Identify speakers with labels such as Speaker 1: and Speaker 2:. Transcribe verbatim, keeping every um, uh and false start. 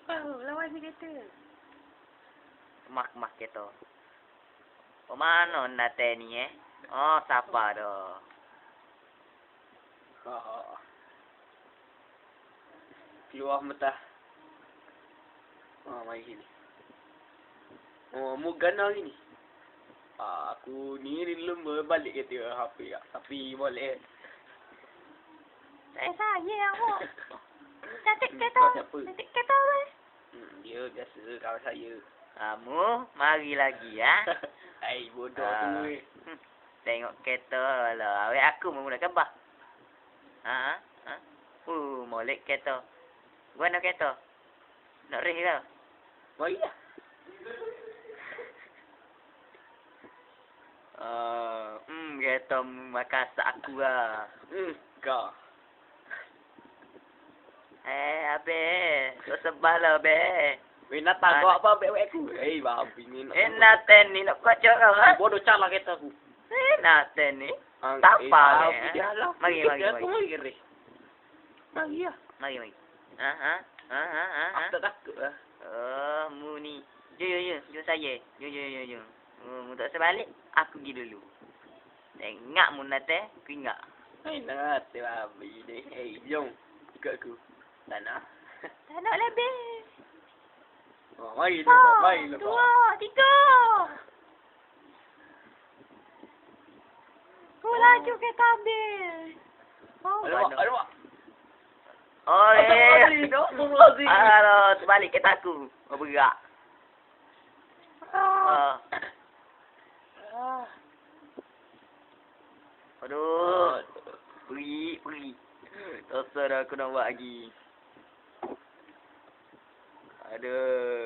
Speaker 1: Oh, lawan si kereta.
Speaker 2: Mak-mak kereta. Oh, mana nate ni eh? Oh, siapa dah?
Speaker 3: Ha. Keluar mata. Ah, mari sini. Oh, mu gana hari ni. Ah, aku ni lembur balik kereta H P ah. Tapi boleh.
Speaker 1: Eh, saya aku. Cantik
Speaker 3: Hmm,
Speaker 1: kereta.
Speaker 3: kau siapa?
Speaker 1: Cantik kereta weh.
Speaker 3: Hmm, dia biasa kawan saya.
Speaker 2: Kamu mari lagi ya.
Speaker 3: Hai, bodoh
Speaker 2: Ah.
Speaker 3: tu weh.
Speaker 2: Hmm, Tengok kereta lah. Awak aku menggunakan bah. Ha? Ha? Uh, molek kereta. Guna kereta. Nak reh ke?
Speaker 3: Mari lah.
Speaker 2: Uh, hmm, kereta makasak aku lah.
Speaker 3: Hmm, kau.
Speaker 2: Eh, habis. Kau sebal lah, be.
Speaker 3: Weh, nak tahu
Speaker 2: Ah,
Speaker 3: apa abek aku? Eh, babi ni nak.
Speaker 2: Eh, Nathan ni nak kocok kau, ha?
Speaker 3: Bodoh calah kereta aku.
Speaker 2: Eh, Nathan ni.
Speaker 3: Ah,
Speaker 2: Tak
Speaker 3: eh,
Speaker 2: apa,
Speaker 3: tahu,
Speaker 2: eh.
Speaker 3: dia lah.
Speaker 2: Mari, mari,
Speaker 3: Aku
Speaker 2: mari.
Speaker 3: mari kereta. Mari lah.
Speaker 2: Mari, mari. Ha, ha? Ha, ha, ha, ha?
Speaker 3: Aku tak takut lah.
Speaker 2: Oh, mu ni. Jom, jom, jom. Jom saya. Jom, jom, jom, jom. Oh, mu tak sebalik. Aku pergi dulu. Tengok mu Nathan. Aku ingat.
Speaker 3: Eh, nak hati babi ni. Eh, jom. Ikut aku. Tak nak.
Speaker 1: Tak nak lebih.
Speaker 3: Oh, mari
Speaker 1: Satu,
Speaker 3: lepas. Mari lepas.
Speaker 1: dua, tiga. Kau laju kereta habis. Oh,
Speaker 3: Alamak, alamak.
Speaker 2: Oh, eh.
Speaker 3: Astagfirullahaladzim.
Speaker 2: Aduh, terbalik kereta aku. Oh, bergerak.
Speaker 1: ah.
Speaker 2: Oh. Aduh. Pergi, pergi. Tak usah dah aku nak buat lagi. Aduh.